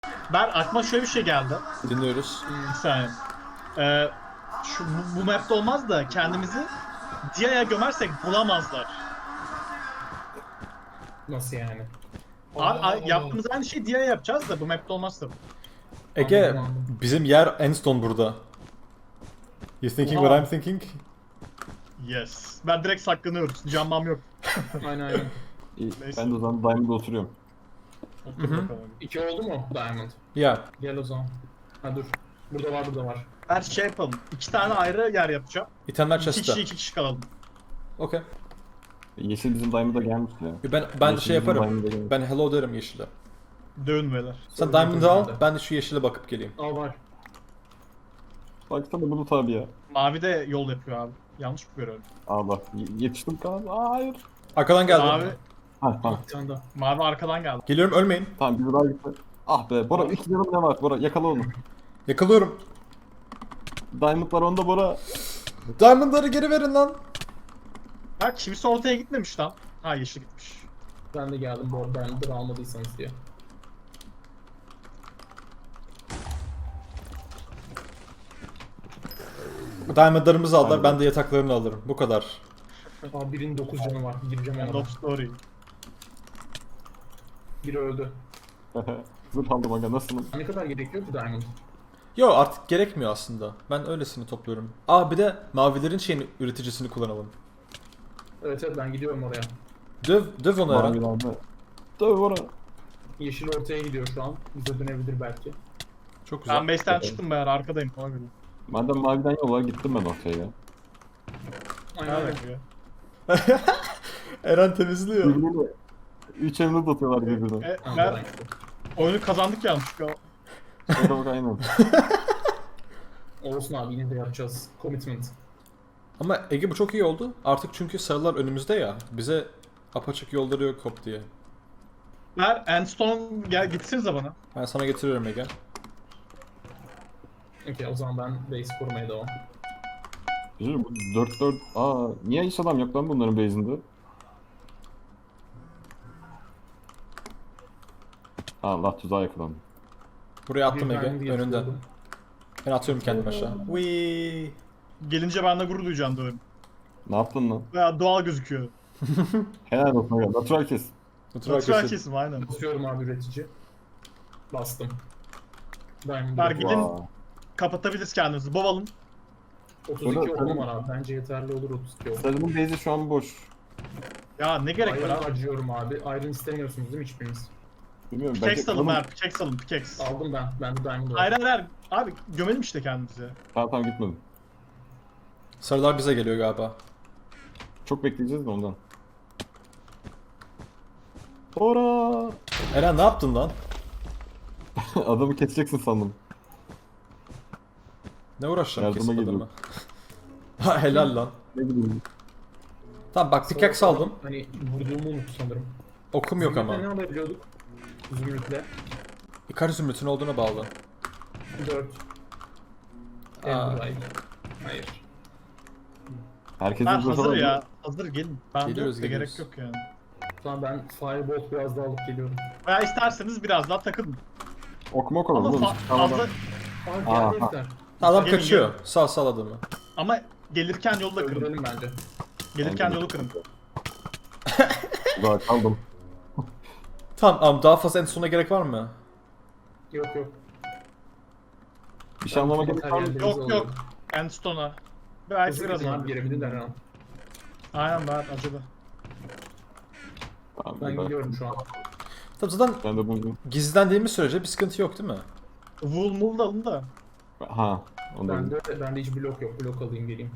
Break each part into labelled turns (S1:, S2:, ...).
S1: Ben aklıma şöyle bir şey geldi.
S2: Dinliyoruz.
S1: Bir saniye. Bu map'te olmaz da kendimizi Dia'ya gömersek bulamazlar.
S3: Nasıl yani?
S1: Yaptığımız aynı şeyi Dia'ya yapacağız da bu map'te olmazsa.
S2: Ege,
S3: Anladım.
S2: bizim yer Enstone burada. You thinking
S1: Oha.
S2: what I'm thinking?
S1: Yes. Ben direkt saklanıyoruz. Canmam yok.
S3: Aynen.
S4: İyi,
S1: Neyse.
S4: ben de o zaman Diamond'da oturuyorum.
S1: Otur bakalım.
S3: 2 oldu mu Diamond?
S2: Ya.
S3: Gel o zaman. Ha dur. Burada var, burada var.
S1: Her şey yapalım. 2 tane ayrı yer yapacağım.
S2: İtemler
S1: 2
S2: chest'te.
S1: kişi 2 kişi kalalım.
S2: Okey.
S4: Yeşil bizim Diamond'a gelmiş ya.
S2: Ben
S4: Yeşil
S2: şey
S4: bizim
S2: yaparım.
S4: Diamond'a gelmiş.
S2: Ben hello derim yeşile.
S1: Dövün beyler.
S2: Sen
S3: Sorun
S2: Diamond'ı
S3: yok
S2: al,
S3: bende.
S2: ben de şu yeşile bakıp geleyim.
S3: Al var.
S4: Baksana Bulut abi ya.
S1: Mavi de yol yapıyor abi. Yanlış mı görüyorum?
S4: Aa bak yetiştim kan. Aa hayır.
S2: Arkadan geldi.
S1: Mavi,
S4: Ha tamam.
S3: Bir tane daha.
S1: mavi arkadan geldi.
S2: Geliyorum, ölmeyin.
S4: Tamam bir daha gitti. Ah be Bora 2 canım ne var Bora yakala onu.
S2: Yakalıyorum.
S4: Diamond'lar onda Bora.
S2: Diamond'ları geri verin lan.
S1: Bak kimse ortaya gitmemiş lan. Ha yeşil gitmiş.
S3: Ben de geldim bu arada Diamond'ı almadıysanız diye.
S2: Diamond'larımızı aldılar,
S4: Aynen.
S2: ben de yataklarını alırım. Bu kadar.
S3: Aa birinin 9 canı var. Gireceğim
S1: End
S3: ona.
S1: of story.
S3: Biri öldü.
S4: Zırt aldım aga nasılım?
S3: Ne kadar gerekiyor ki Diamond?
S2: Yo artık gerekmiyor aslında. Ben öylesini topluyorum. Aa bir de mavilerin şeyini, üreticisini kullanalım.
S3: Evet evet ben gidiyorum oraya.
S2: Döv onu Eren.
S4: Mavilerde. Tabii Bora.
S3: Yeşil ortaya gidiyor şu an. Bize dönebilir belki.
S2: Çok güzel.
S1: Ben base'ten çıktım beyler arkadayım. Ona göre.
S4: Madem maviden yol var gittim ben ortaya ya.
S3: Aynen öyle.
S1: Evet. Ya.
S2: Eren temizliyor.
S4: Birbirine 3 emerald atıyorlar birbirine.
S3: Ha,
S1: Ben
S3: Diamond.
S1: oyunu kazandık yanlışlıkla.
S4: Şöyle bak aynen.
S3: Olsun abi yine de yapacağız. Commitment.
S2: Ama Ege bu çok iyi oldu. Artık çünkü sarılar önümüzde ya. Bize apaçık yolları yok hop diye.
S1: Ver Endstone gel gitsinize bana.
S2: Ben sana getiriyorum Ege.
S3: Okey o zaman ben base korumaya devam.
S4: Düşünün bu 4-4... Aa niye hiç adam yok lan bunların base'inde? Allah tuzağa yakalandı.
S2: Buraya attım
S3: Bir
S2: Ege
S3: Diamond'ı
S2: önünden.
S3: yatırıyordum.
S2: Ben atıyorum kendimi aşağı. Wee.
S1: Gelince ben de gurur duyacağım diyorum.
S4: Ne yaptın lan?
S1: Veya doğal gözüküyor.
S4: Helal olsun aga. Natural kes.
S2: Natural
S1: Natural
S2: kesim.
S1: kesim aynen.
S3: Basıyorum abi üretici. Bastım. Diamond
S1: Ver
S3: üretici.
S1: gidin.
S4: Vaa.
S1: Kapatabiliriz kendimizi. Bovalım.
S3: 32
S4: Burada-
S3: okum var abi. Bence yeterli olur 32 okum.
S4: Sarının base'i şu an boş.
S1: Ya ne gerek var
S3: Iron
S1: abi?
S3: harcıyorum abi. Iron istemiyorsunuz değil mi hiçbiriniz?
S4: Bilmiyorum
S1: Pickaxe alın
S4: Oğlum,
S1: ver. Pickaxe alın. Pickaxe.
S3: Aldım ben. Ben de Diamond
S1: Hayır
S3: aldım.
S1: hayır hayır. Abi gömelim işte kendimizi.
S4: Tamam gitmedim.
S2: Sarılar bize geliyor galiba.
S4: Çok bekleyeceğiz de ondan. Ora!
S2: Eren ne yaptın lan?
S4: Adamı keseceksin sandım.
S2: Ne uğraşacağım
S4: Yardıma
S2: kesip
S4: geliyorum.
S2: adamı? Ha helal lan.
S4: Ne bileyim.
S2: Tamam bak pickaxe aldım.
S3: Hani vurduğumu unuttu sanırım.
S2: Okum yok ama.
S3: Zümrütle ne alabiliyorduk? Zümrütle.
S2: Kaç zümrütün olduğuna bağlı.
S3: 4.
S2: Aa.
S3: Enderite. Hayır.
S4: Herkesin
S1: Ben
S4: zırhı
S1: hazır
S4: var mı?
S1: ya. Hazır gelin. Ben
S2: Geliyoruz,
S1: yok da
S2: geliyoruz.
S1: gerek yok yani.
S3: Tamam ben Firebolt biraz daha alıp geliyorum.
S1: Veya isterseniz biraz daha takılın.
S4: Ok mok olur
S1: Ama
S4: oğlum.
S1: fazla
S3: Aa
S4: Aha.
S3: geldi herifler.
S2: Adam
S1: Gelin,
S2: kaçıyor. Sal adamı.
S1: ama gelirken yolda kırın.
S3: Öldürelim bence.
S1: Gelirken yolu kırın.
S4: Daha kaldım.
S2: Tamam daha fazla en sona gerek var mı?
S3: Yok yok.
S4: Bir şey anlama gerek var mı?
S3: Materyallerinizi
S1: Yok
S3: alıyorum.
S1: yok. Endstone'a. Belki
S3: Hızlı
S1: biraz
S3: gidin abi
S1: daha.
S3: gelebilirler ha.
S1: Aynen ben acaba.
S4: Tamam,
S3: Ben gidiyorum şu an.
S2: Tabii zaten
S4: Ben de bunu...
S2: gizlendiğimiz sürece bir sıkıntı yok değil mi?
S1: Wool mool da alın da.
S4: Ha. Ondan.
S3: Bende hiç blok yok. Blok alayım geleyim.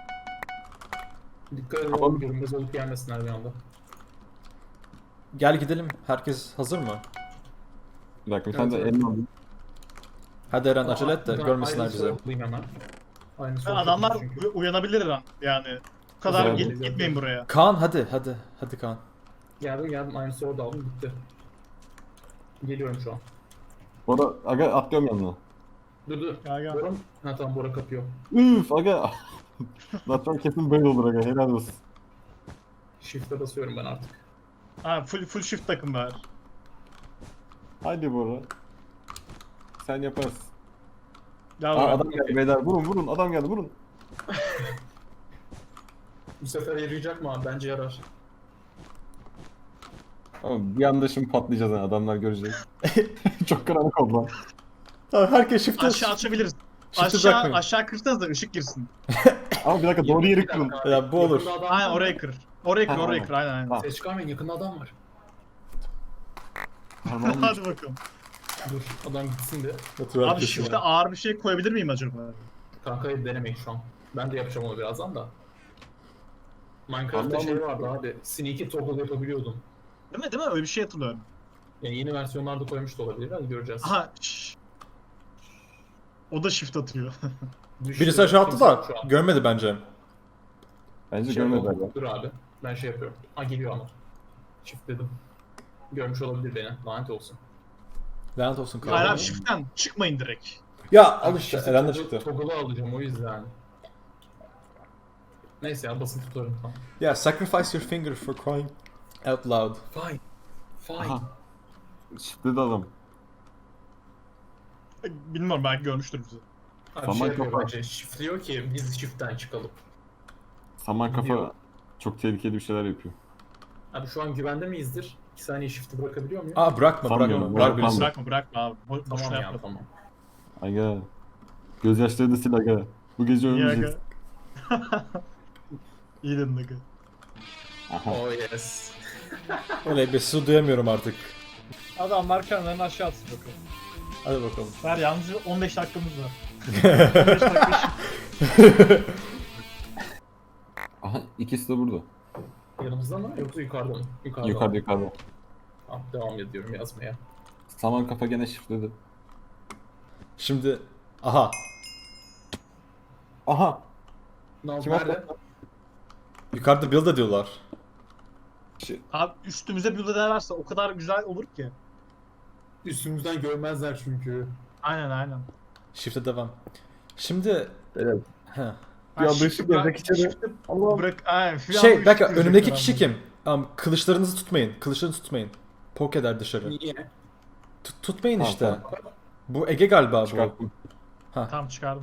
S3: Dikkat edin
S4: Tamam.
S3: oğlum görünmez olup gelmesinler bir anda.
S2: Gel gidelim. Herkes hazır mı?
S4: Bir dakika sen de
S3: Evet,
S4: elini alayım.
S2: Hadi Eren acele et de
S3: Ben
S2: görmesinler
S3: aynı
S2: bizi.
S3: sorumluyum hemen. Aynı
S1: Ben
S3: sorumluyum
S1: adamlar
S3: çünkü.
S1: uyanabilir lan yani. Bu kadar
S4: Güzel.
S1: gitmeyin buraya.
S2: Kaan hadi Kaan.
S3: Geldim aynı soru aldım bitti. Geliyorum şu an.
S4: Bora aga atlıyorum yanına.
S3: Dur.
S1: Gel gel.
S3: Bora mı? Ha tamam Bora kapıyor.
S4: Üf aga. Natural kesin böyle olur aga helal olsun.
S3: Shift'e basıyorum ben artık.
S1: Ha full shift takım ver.
S4: Haydi Bora. Sen yaparsın.
S1: Ya
S4: Aa, adam geldi beyler. Vurun. Adam geldi vurun.
S3: Bu sefer yarayacak mı abi? Bence yarar.
S4: Ama bir anda şimdi patlayacağız yani adamlar görecek. Çok karanlık oldu lan.
S2: Tamam, herkes shift'e...
S1: aşağı açabiliriz.
S2: Shift'i bırakmayın.
S1: Aşağı kırsanız da ışık girsin.
S4: Ama bir dakika doğru yeri kırın.
S2: Ya bu olur.
S3: Yakında adam
S1: Aynen
S3: var.
S1: oraya kır. Oraya kır,
S4: Ha,
S1: oraya
S4: aynen.
S1: kır. Aynen aynen.
S4: Ha.
S3: Ses çıkarmayın, yakında adam var.
S4: Tamam.
S1: Hadi bakalım.
S3: Dur adam gitsin de.
S2: Otur
S1: Abi
S2: herkes
S1: shift'e
S2: ya.
S1: ağır bir şey koyabilir miyim acaba?
S3: Kanka denemeyin şu an. Ben de yapacağım onu birazdan da. Minecraft'ta
S4: Allah'ım.
S3: şey vardı abi. Sneaky toggle yapabiliyordum.
S1: Değil mi? Öyle bir şey hatırlıyorum.
S3: Yani yeni versiyonlarda koymuş da olabilir. Hadi göreceğiz.
S1: Aha. O da shift atıyor.
S3: Düştü.
S2: Birisi aşağı attı
S3: Kimse
S2: da
S3: yok şu an.
S2: görmedi bence.
S4: Bence
S3: Şey
S4: görmediler
S3: oldu.
S4: ya.
S3: Dur abi. Ben şey yapıyorum. Ha geliyor ama. Çift dedim. Görmüş olabilir beni. Lanet olsun.
S2: Lanet olsun
S1: Hayır
S2: kahve.
S1: abi shift'ten çıkmayın direkt.
S2: Ya al işte
S3: Shift'i
S2: Eren de
S3: toggle-
S2: çıktı.
S3: Toggle'ı alacağım o yüzden. Neyse ya basın tutarım tamam.
S2: Yeah, sacrifice your finger for crying out loud.
S3: Fine. Fine.
S4: Aha. Şifreli adam.
S1: Bilmiyorum belki görmüştür bizi.
S3: Abi
S4: Saman
S3: şey yapıyor
S4: kafa.
S3: bence. Şifliyor ki biz shift'ten çıkalım.
S4: Saman kafa
S3: Gidiyor.
S4: çok tehlikeli bir şeyler yapıyor.
S3: Abi şu an güvende miyizdir? 2 saniye shift'i bırakabiliyor muyum?
S2: Aa bırakma
S4: Sanmıyorum,
S2: bırak birisi.
S4: bırakmam.
S1: Bırakma abi. Boşuna
S3: Tamam ya
S1: yapma.
S3: tamam.
S4: Aga. Gözyaşları da sil aga. Bu gece
S1: İyi
S4: ölmeyeceğiz.
S1: aga. İyi dedin aga.
S4: Aha.
S3: Oh yes.
S2: Öyle bir su duyamıyorum artık.
S1: Adamlar kendilerini aşağı atsın bakalım.
S2: Hadi bakalım.
S1: Ver yalnızca 15 dakikamız var. 15 dakika
S4: Aha ikisi de burada.
S3: Yanımızda mı yoksa yukarıda mı? Yukarıda.
S4: Yukarıda.
S3: Tamam, devam ediyorum yazmaya.
S4: Saman kafa gene şifreli.
S2: Şimdi aha
S4: Aha.
S3: Ne oldu?
S4: Kim
S3: Nerede?
S2: yukarıda build ediyorlar.
S1: Abi üstümüze build ederlerse o kadar güzel olur ki.
S3: Üstümüzden görmezler çünkü.
S1: Aynen.
S2: Shift'e devam. Şimdi
S4: Evet.
S2: heh.
S1: Ha,
S4: Bir anda
S1: shift'i
S4: ışık
S1: bırak-
S4: gelecek içeri.
S1: shift'i
S4: Allah'ım.
S1: Bırak, aynen. Bir
S2: Şey
S1: anda
S2: bir dakika
S1: ışık
S2: önümdeki
S1: girecek
S2: kişi
S1: adam.
S2: kim? Kılıçlarınızı tutmayın. Kılıçlarınızı tutmayın. Poke eder dışarı.
S3: Niye?
S2: Tutmayın
S4: Tamam,
S2: işte.
S4: tamam.
S2: Bu Ege galiba bu.
S4: Çıkarttım.
S1: Tamam çıkardım.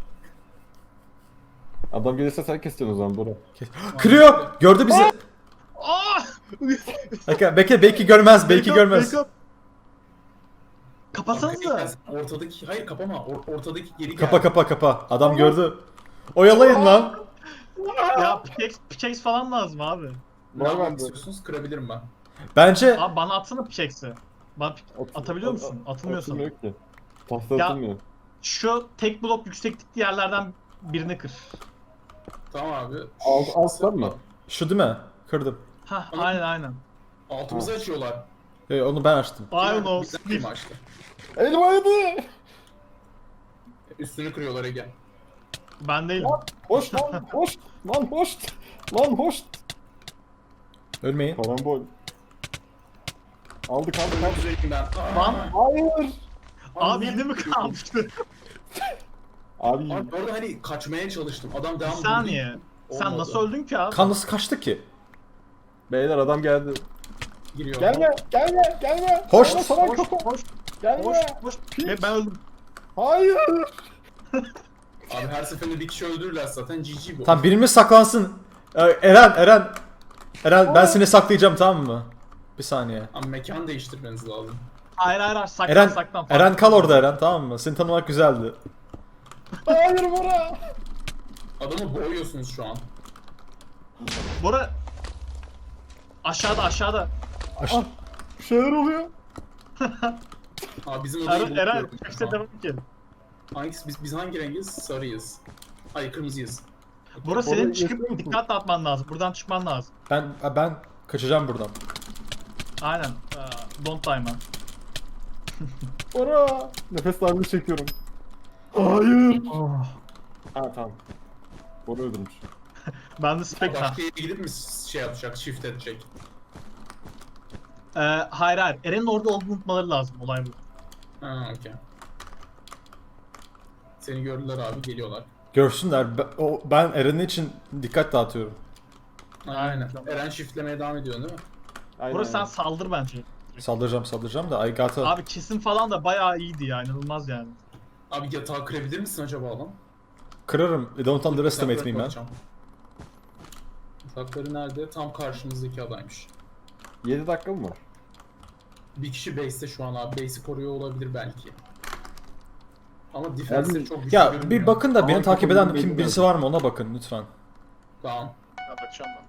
S4: Adam gelirse sen keseceksin o zaman Bora.
S2: Kırıyor. Gördü bizi.
S1: Aa!
S2: Bekle belki görmez. Belki görmez.
S1: Backup. Kapatsanıza.
S3: Ortadaki, hayır kapama. Ortadaki geri gel.
S2: Kapa. Adam gördü. Oyalayın lan.
S1: Ya pickaxe falan lazım abi.
S3: Ne
S4: Var
S3: yapmak
S4: bende.
S3: istiyorsunuz? Kırabilirim ben.
S2: Bence
S1: Abi bana atsana pickaxe'i. Bana atabiliyor musun? Atılmıyor sanırım.
S4: Atılmıyor ki. Tahta
S1: Ya-
S4: atılmıyor.
S1: Şu tek blok yükseklikli yerlerden birini kır.
S3: Tamam abi.
S4: Altlar mı?
S2: şu değil mi? Kırdım.
S1: Hah aynen.
S3: Altımızı açıyorlar.
S2: Onu ben açtım.
S1: Aynen
S3: Bir
S1: olsun.
S3: tane mi açtı?
S4: Elim aydı.
S3: Üstünü kırıyorlar Ege.
S1: Ben değilim.
S4: Hoş lan hoş. Lan hoş. Lan hoş.
S2: Ölmeyin.
S4: Karambol. Aldık.
S3: Üzereyim ben.
S1: Lan
S4: Hayır.
S1: abi yine mi kalmıştı?
S4: Abi.
S3: Abi orada hani kaçmaya çalıştım. Adam
S1: Bir
S3: devam
S1: saniye. Sen
S3: Olmadı.
S1: nasıl öldün ki abi?
S2: Kan nasıl kaçtı ki?
S4: Beyler adam geldi.
S3: giriyor.
S4: Gelme.
S2: Hoş.
S4: Saman kafa. Gelme.
S1: Boş. Ben öldüm.
S4: Hayır.
S3: Abi her seferinde bir kişi öldürürler zaten GG bu.
S2: Tamam birimiz saklansın. Eren ben seni saklayacağım tamam mı? Bir saniye.
S3: Abi mekan değiştirmeniz lazım.
S1: Hayır saklan
S2: Eren
S1: saklan.
S2: Eren kal orada Eren tamam mı? Seni tanımak güzeldi.
S4: Hayır Bora.
S3: Adamı boğuyorsunuz şu an.
S1: Bora aşağıda.
S4: Bir şeyler oluyor.
S3: Abi bizim odayı bulup
S1: Eren
S3: gördüm şu
S1: işte
S3: an.
S1: devam ki.
S3: Hangisi biz hangi rengiz? Sarıyız. Hayır kırmızıyız.
S1: Bora senin
S4: yaşıyor
S1: çıkıp
S4: musun?
S1: dikkat atman lazım. Buradan çıkman lazım.
S2: Ben kaçacağım buradan.
S1: Aynen. Don't die man.
S4: Bora. Nefes darlığı çekiyorum. Hayır. Ha tamam. Bora öldürmüş.
S1: Ben de spek
S3: Başka yere gidip mi şey yapacak, shift edecek?
S1: Hayır. Eren'in orada olduğunu unutmaları lazım. Olay bu.
S3: Ha okey. Seni gördüler abi, geliyorlar.
S2: Görsünler. Ben Eren'in için dikkat dağıtıyorum.
S3: Aynen. Eren shiftlemeye devam ediyor değil mi?
S4: Aynen.
S1: Bora sen saldır bence.
S2: Saldıracağım da I got a...
S1: Abi kesim falan da bayağı iyiydi ya, inanılmaz yani.
S3: Abi yatağı kırabilir misin acaba lan?
S2: Kırarım. Don't underestimate
S3: Yataklara
S2: me man.
S3: bakacağım. Yatakları nerede? Tam karşımızdaki adaymış.
S4: 7 dakika mı var?
S3: Bir kişi base'te şu an abi. Base'i koruyor olabilir belki. Ama defense'leri çok güçlü
S2: Ya
S3: görünmüyor.
S2: bir bakın da beni
S4: Ama
S2: takip eden
S4: kapının
S2: kim
S4: belli
S2: birisi var mı ona bakın lütfen.
S3: Tamam.
S1: Ya bakacağım ben.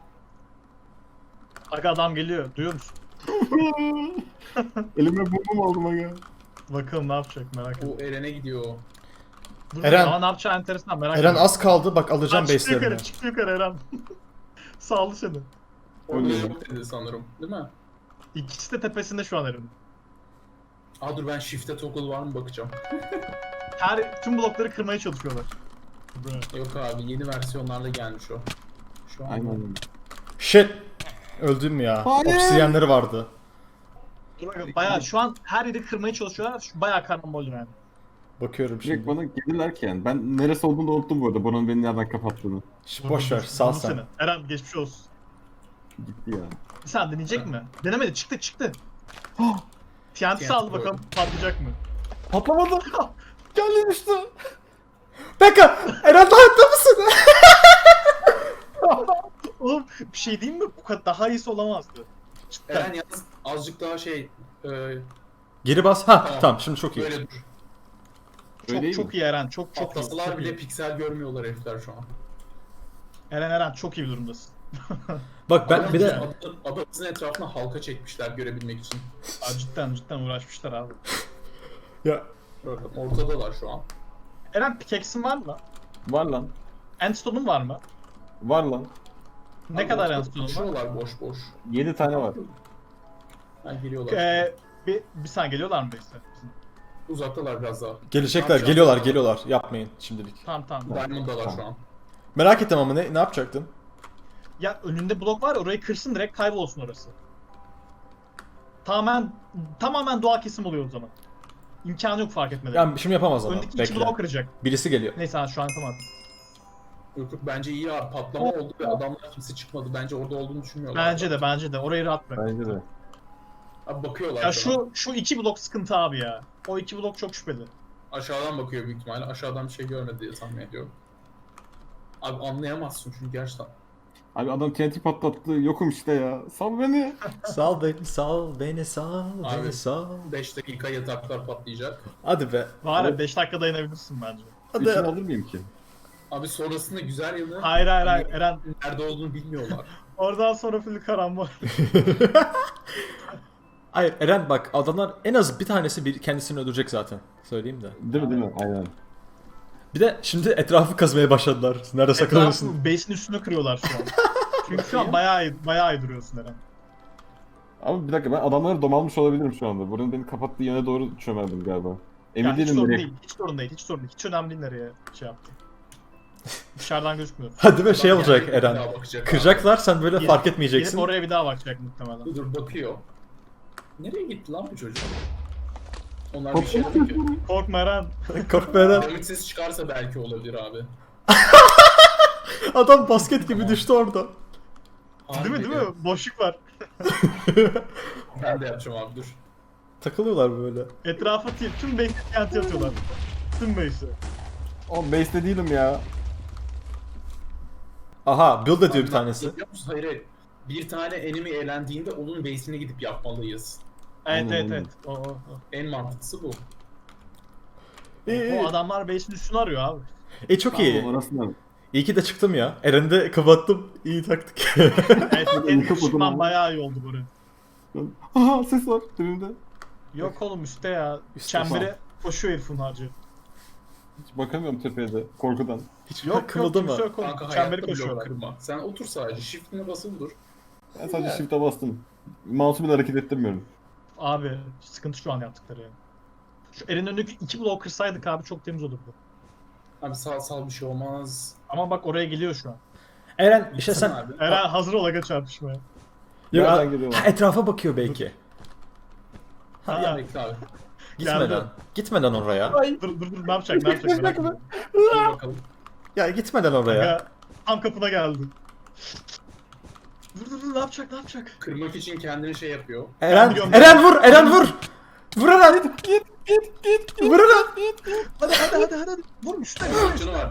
S1: Aga adam geliyor, duyuyor musun?
S4: Elime bombam aldım aga.
S1: Bakalım ne yapacak, merak ettim.
S3: O Eren'e gidiyor.
S1: Dur,
S2: Eren-
S1: ama ne yapacağı enteresan, merak
S2: Eren
S1: ettim.
S2: az kaldı bak alacağım
S1: Çıktı yukarı,
S2: base'lerini.
S1: çıktı yukarı Eren. Sağlı seni.
S3: Orada
S4: Öyle.
S3: yok dedi sanırım. Değil mi?
S1: İkisi de tepesinde şu an Eren'in.
S3: Aa dur ben shift'e toggle var mı bakacağım.
S1: Tüm blokları kırmaya çalışıyorlar.
S3: Yok abi yeni versiyonlarla gelmiş o. Şu an
S4: Aynen.
S2: Shit. Öldüm ya.
S4: Hayır.
S2: Obsidiyenleri vardı.
S1: Bayağı şu an her yeri kırmaya çalışıyorlar. Şu bayağı karambol yani.
S2: Bakıyorum
S4: Direkt
S2: şimdi.
S4: bana gelirler ki yani. Ben neresi olduğunu da unuttum bu arada. Bunun beni nereden kapattığını.
S2: Boş ver sal
S1: Vurdu
S2: sen.
S1: seni. Eren geçmiş olsun.
S4: Gitti ya.
S1: Sen deneyecek mi? Denemedi, çıktı. TNT
S3: TNT
S1: saldı
S3: koydum.
S1: bakalım patlayacak mı?
S4: Patlamadı. Geldi düştü.
S2: Bekle! Eren hayatta mısın?
S1: Oğlum bir şey diyeyim mi? Bu kadar daha iyisi olamazdı. Cidden.
S3: Eren yalnız azıcık daha
S2: Geri bas. Ha tamam şimdi çok iyi.
S3: böyle dur.
S4: Öyle değil
S1: Çok
S4: mi?
S1: iyi Eren, çok iyi.
S3: Atlasalar
S1: Çok
S3: bile
S1: iyi.
S3: piksel görmüyorlar herifler şu an.
S1: Eren çok iyi bir durumdasın.
S2: Bak ben
S3: Adam
S2: bir de
S3: adamızın etrafına halka çekmişler görebilmek için.
S1: Aa, cidden uğraşmışlar abi.
S2: ya
S3: Bakın ortadalar şu an.
S1: Eren pickaxe'in var mı?
S4: Var lan.
S1: Endstone'un var mı?
S4: Var lan.
S1: Ne
S3: Abi
S1: kadar
S3: ortada
S1: endstone'un var?
S3: koşuyorlar boş boş.
S4: 7 tane var.
S3: Ha geliyorlar.
S1: Bir saniye geliyorlar mı işte?
S3: Uzaktalar biraz daha.
S2: gelecekler
S3: Ne
S2: geliyorlar
S3: yapacağız?
S2: geliyorlar. Yapmayın şimdilik.
S1: Tamam.
S3: Diamond'dalar şu an.
S2: Merak ettim ama ne yapacaktın?
S1: Ya önünde blok var, orayı kırsın direkt kaybolsun orası. Tamamen doğal kesim oluyor o zaman. İmkanı yok fark etmeleri.
S2: Yani şimdi yapamaz ama.
S1: Öndeki iki
S2: Bekle.
S1: blok kıracak.
S2: Birisi geliyor.
S1: Neyse şu an yapamadım.
S3: Yok bence iyi abi patlama oldu ve adamlar kimse çıkmadı. Bence orada olduğunu düşünmüyorlar.
S1: Bence de orayı rahat bırak.
S4: Bence de.
S3: Abi bakıyorlar
S1: Ya
S3: sana.
S1: şu iki blok sıkıntı abi ya. O iki blok çok şüpheli.
S3: Aşağıdan bakıyor büyük ihtimalle. Aşağıdan bir şey görmedi diye tahmin ediyorum. Abi anlayamazsın çünkü gerçekten.
S4: Abi adam TNT patlattı. Yokum işte ya. Sal beni.
S2: Sal beni sal beni sal
S3: Abi.
S2: beni sal.
S3: 5 dakika yataklar patlayacak.
S2: Hadi be.
S1: Var ya
S4: Evet.
S1: 5 dakika dayanabilirsin bence.
S4: İçine
S2: Hadi.
S4: alır mıyım ki?
S3: Abi sonrasında güzel yanı
S1: Hayır
S3: hani
S1: Eren.
S3: nerede olduğunu bilmiyorlar.
S1: Oradan sonra full karambol.
S2: Hayır Eren bak adamlar en az bir tanesi kendisini öldürecek zaten. Söyleyeyim de.
S4: Değil mi? Aynen.
S2: Bir de şimdi etrafı kazmaya başladılar. Nerede saklanıyorsun?
S1: Etrafı base'in üstüne kırıyorlar şu an. Çünkü şu an bayağı iyi duruyorsun Eren.
S4: Ama bir dakika ben adamları domalmış olabilirim şu anda. Buranın beni kapattığı yöne doğru çömeldim galiba. Emin
S1: Ya hiç
S4: değilim
S1: sorun
S4: nereye.
S1: değil, hiç sorun değil. Hiç önemli değil nereye şey yaptı. Dışarıdan gözükmüyor.
S2: Hadi be şey
S3: Adam
S2: olacak
S3: geldi, bir
S2: Eren.
S3: daha bakacak abi.
S2: Kıracaklar sen böyle
S1: Gelip-
S2: fark etmeyeceksin.
S1: Gelip oraya bir daha bakacak muhtemelen.
S3: Dur bakıyor. Nereye gitti lan bu çocuk? Onlar bir şey yapıyor.
S1: Korkma Eren.
S2: Korkma Eren.
S3: Ümit ses çıkarsa belki olabilir abi.
S2: Adam basket gibi düştü orada.
S1: Değil mi? Boşluk var.
S3: Ben de yapacağım abi dur.
S2: Takılıyorlar böyle.
S1: Etrafa tüm base'e TNT atıyorlar. Tüm base'e.
S4: Oğlum base'te değilim ya.
S2: Aha build ediyor bir
S3: Abi,
S2: tanesi.
S3: biliyor musun? Hayır. Bir tane enemy eğlendiğinde onun base'ine gidip yapmalıyız.
S1: Evet.
S4: Aynen.
S1: O.
S3: En mantıklısı bu.
S1: O adamlar base'in üstünü arıyor abi.
S2: Çok iyi.
S4: Tamam, orasından.
S2: İyi ki de çıktım ya. Eren'i de kapattım. İyi taktik.
S1: Evet, senin
S4: Yıkıp o
S1: düşman
S4: zaman.
S1: bayağı iyi oldu buraya.
S4: Aha ses var önümde.
S1: Yok oğlum üstte ya.
S2: Üstte
S1: Çembere koşuyor herifin harcı.
S4: Hiç bakamıyorum tepeye de korkudan.
S2: Hiç
S1: Yok
S2: kımıldama.
S1: kimse yok oğlum.
S3: Kanka
S1: Çemberi
S3: hayatta blok
S1: koşuyorlar.
S3: kırma. Sen otur sadece. Shift'ine basılı dur.
S4: Ben sadece shift'e bastım. Mouse'u bile hareket ettirmiyorum.
S1: Abi sıkıntı şu an yaptıkları yani. Şu Eren'in önündeki iki blok kırsaydık abi çok temiz olurdu.
S3: Abi sağ bir şey olmaz.
S1: Ama bak oraya geliyor şu an.
S2: Eren işte
S3: Gitsene
S2: sen
S3: abi.
S1: Eren hazır ol aga çarpışmaya.
S4: Nereden geliyorlar?
S2: Etrafa bakıyor belki.
S1: Ha,
S3: Bekle abi.
S2: Gitmeden.
S1: Geldi.
S2: Gitmeden oraya.
S1: dur ne yapacak merak ettim.
S3: Dur bakalım.
S2: Ya gitmeden oraya.
S1: Aga, tam kapına geldi. Dur ne yapacak ne yapacak?
S3: Kırmak için kendini şey yapıyor.
S2: Eren,
S1: biliyorum.
S2: Eren vur, Eren vur. Vur Eren. Git. Vur Eren.
S1: Hadi. Vur üstte.
S3: Canı var.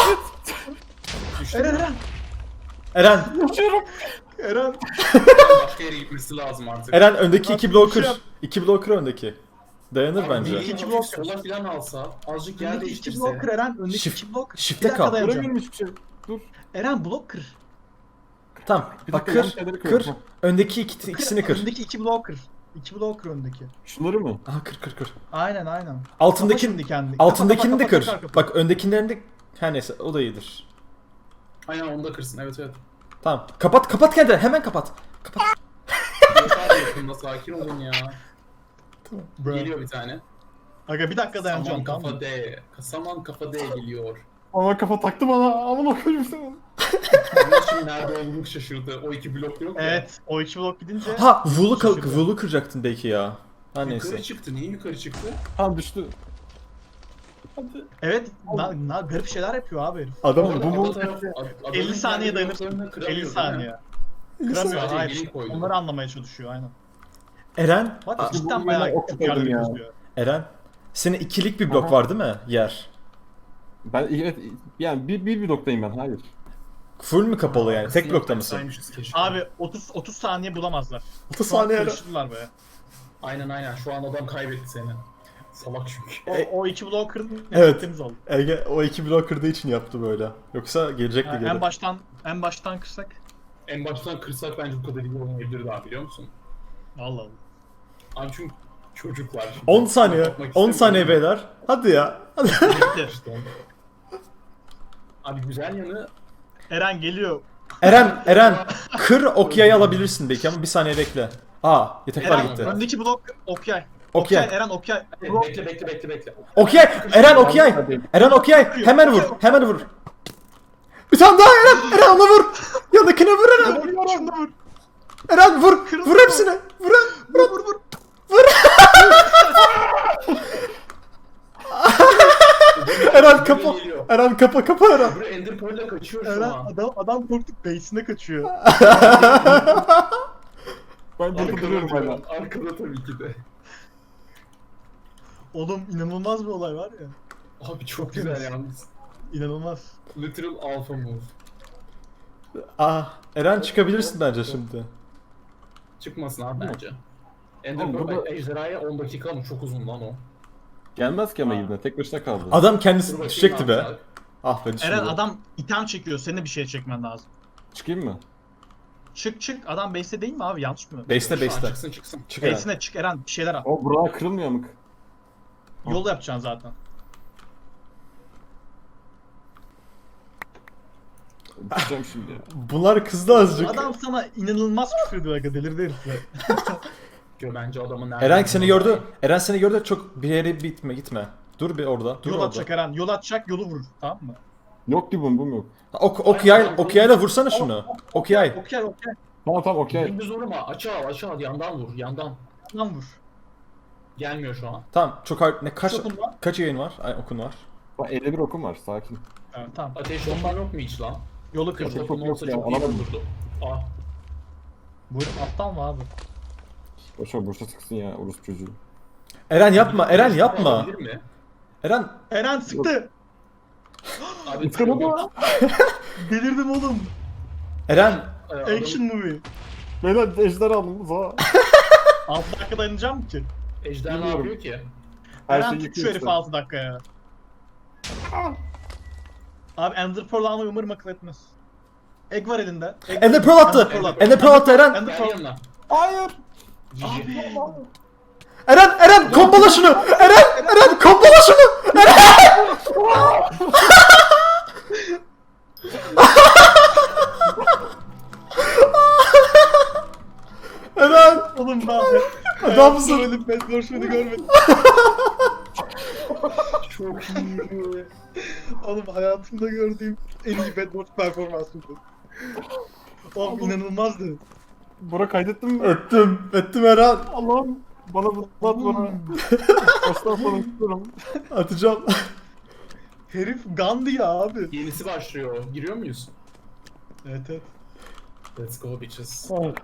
S1: Eren.
S2: Eren,
S1: Eren.
S3: Başka yere gitmesi lazım artık.
S2: Eren öndeki
S1: Abi,
S2: iki bloğu kır.
S1: şey yap.
S2: 2 bloğu kır öndeki. Dayanır
S3: Abi,
S2: bence.
S3: bir
S1: İki
S3: blok
S1: blok
S3: sola falan alsa, azıcık yer
S1: Öndeki 2
S3: değiştirse.
S1: blok kır Eren. Öndeki
S2: Shift-
S1: 2 blok.
S2: shift'te
S1: Bir dakika
S2: kal.
S1: dayanacağım.
S4: Göremiyorum hiçbir şey. Dur.
S1: Eren blok kır.
S2: Tamam.
S4: Bir
S2: Bak
S4: dakika, yanlış
S2: kır.
S4: yerleri
S2: Kır.
S4: kırıyorum.
S2: Öndeki ikisini kır.
S1: Öndeki 2 blok kır. 2 blok kır öndeki.
S4: Şunları mı?
S2: Aha kır.
S1: Aynen.
S2: Altındaki
S1: Kapa şimdi kendini.
S2: altındakini de
S1: Kapa,
S2: kır.
S1: kapa.
S2: Bak öndekilerini de her neyse o da iyidir.
S3: Aynen onu da kırsın, evet.
S2: Tamam. Kapat kendini. Hemen kapat.
S3: Yeter yakında, sakin olun ya.
S1: Bro.
S3: Geliyor bir tane.
S1: Aga bir dakika dayanacağım
S3: Saman
S1: tamam
S3: kafa
S1: mı?
S3: D. Saman kafa D geliyor.
S4: Ama kafa taktı bana. Aman okuyayım seni.
S3: Bunun için nerede olduğunu şaşırdı. O 2 blok yok ya.
S1: Evet. O 2 blok gidince.
S2: Ha, Vulu
S1: Şaşırdı.
S2: kıracaktın belki ya. Ha neyse.
S3: Yukarı çıktı. Niye yukarı çıktı?
S4: Tamam düştü. Hadi.
S1: Evet. Garip şeyler yapıyor abi herif.
S2: Adam
S4: bu mu?
S1: 50 saniye dayanıp 50 saniye. Kıramıyor
S3: Sadece
S1: hayır.
S3: gelin koydu.
S1: Onları anlamaya çalışıyor aynen.
S2: Eren,
S1: Bak
S4: bu
S1: cidden
S4: yine
S1: bayağı
S4: ok
S1: çok
S4: yapalım
S1: yerleri
S4: ya.
S1: gözlüyor.
S2: Eren. Senin ikilik bir blok
S4: Aha.
S2: var değil mi? Yer.
S4: Ben evet yani bir bloktayım ben. Hayır.
S2: Full mü kapalı yani? Tek blokta mısın?
S3: Saymışız keşke.
S1: Abi 30 saniye bulamazlar.
S2: 30
S1: Şu an
S2: saniye Eren.
S1: karıştırdılar be.
S3: Aynen. Şu an adam kaybetti seni. Salak çünkü.
S1: O 2 blok kırdın.
S2: Evet.
S1: Temiz oldu.
S2: Ege o 2 blok kırdığı için yaptı böyle. Yoksa gelecekti
S1: Ha,
S2: geri.
S1: en baştan kırsak.
S3: En baştan kırsak bence bu kadar iyi olmayabilir daha, biliyor musun?
S1: Allah Allah.
S3: Abi çünkü çocuklar.
S2: 10 saniye.
S3: Yapmak
S2: 10 saniye
S3: istemiyorum.
S2: beyler. Hadi ya. Hadi.
S1: Bitti.
S3: İşte. Abi güzel yanı
S1: Eren geliyor.
S2: Eren kır okyayı alabilirsin belki ama bir saniye bekle. Aa yataklar
S1: Eren
S2: gitti.
S1: öndeki blok Okyay.
S2: Okyay.
S1: Eren Okyay.
S3: bekle.
S2: Okyay. Eren okyay. Eren okyay. Hemen vur. Bir tane daha Eren ona vur. Yanındakine vur Eren.
S1: Şunu vur.
S2: Eren vur hepsine. Vur. Eren kapa.
S3: Geliyor.
S2: Eren kapa Eren.
S3: Buraya Ender Pearl'le kaçıyor şu
S1: Eren
S3: an.
S1: adam korktuk base'ine kaçıyor.
S4: Ben burada duruyorum hala.
S3: Arkada tabii ki de.
S1: Oğlum inanılmaz bir olay var ya.
S3: Abi çok güzel yalnız.
S1: İnanılmaz.
S3: Literal alpha move.
S2: Eren çıkabilirsin bence şimdi.
S3: Çıkmasın abi bence. Ender
S4: Oğlum
S3: Pearl
S4: burada-
S3: ejderhaya 10 dakika mı? Çok uzun lan o.
S4: Gelmez ki ama yine tek başına kaldı.
S2: Adam
S3: Dur
S2: kendisi
S3: bakayım
S2: düşecekti
S3: ne
S2: be.
S3: yapacak.
S2: Ah be düştü.
S1: Eren adam item çekiyor. Senin de bir şey çekmen lazım.
S4: Çıkayım mı?
S1: Çık. Adam base'te değil mi abi? Yanlış mı?
S2: Base'te.
S3: Çıksın.
S2: Çık Eren.
S1: Base'ine çık Eren. Bir şeyler al.
S4: O buralar kırılmıyor amık.
S1: Yol yapacaksın zaten.
S4: Düşeceğim şimdi ya.
S2: Bunlar kızdı azıcık.
S1: Adam sana inanılmaz küfür ediyor aga. Delirdi herifler.
S3: Bence adamın nerede?
S2: Eren seni gördü. Eren seni gördü. Çok bir yere gitme. Dur bir orada. Dur
S1: Yol
S2: orada.
S1: atacak Eren. Yol atacak yolu vurur. Tamam mı?
S4: Yok ki bum yok.
S2: Okyayla vursana şunu. Okyay.
S1: Okyay.
S4: Tamam okey.
S3: Dümdüz vurma. Aşağı yandan vur. Yandan.
S1: Lan vur.
S3: Gelmiyor şu an.
S2: Tamam çok hard. Kaç
S1: Okun var.
S2: kaç yayın var? Ay okun var.
S4: Bak 51 okum var sakin.
S1: Evet, tamam.
S3: Ateş bomban yok mu hiç lan?
S1: Yolu
S3: Ateş
S1: kırdı.
S4: Yok,
S3: bomban
S4: yok
S3: olsa
S4: ya,
S3: çok iyi
S4: alamadım.
S3: olurdu. Ah.
S1: Bu herif aptal mı abi?
S4: Boşa sıksın ya Urus çocuğu.
S2: Eren yapma. Eren
S3: Olabilir
S2: yapma.
S3: mi?
S2: Eren
S1: Eren sıktı.
S3: Abi
S4: Sıkamadı
S3: yok.
S4: mı?
S1: Delirdim oğlum.
S2: Eren
S1: Action movie.
S4: Beyler ejder aldım za.
S1: 6 dakika dayanacağım mı ki?
S3: Ejder ne
S4: Bilmiyorum.
S3: yapıyor ki?
S4: Her
S1: Eren
S4: şey
S1: tut şu
S4: yıkıyor
S1: herifi
S4: işte.
S1: 6 dakikaya. Abi Ender Pearl almayı umarım akıl etmez. Egg var elinde.
S2: Ender Pearl attı. Ender Pearl attı Eren.
S1: Ender
S3: Gel
S1: Pearl.
S3: yanına.
S4: Hayır.
S3: Cici.
S2: Eren kombala şunu. Eren kombala şunu. Eren
S1: Oğlum ben
S2: adamsın.
S1: Böyle bedboşluğunu görmedim.
S3: Çok iyi.
S1: Oğlum hayatımda gördüğüm en iyi bedboş performansıydı. Oğlum inanılmazdı.
S4: Bora kaydettin mi?
S2: Ettim Eren.
S4: Allah'ım. Bana bu bana. Baştan sona istiyorum.
S2: Atacağım.
S1: Herif Gandhi ya abi.
S3: Yenisi başlıyor. Giriyor muyuz?
S1: Evet.
S3: Let's go bitches.
S4: Ah.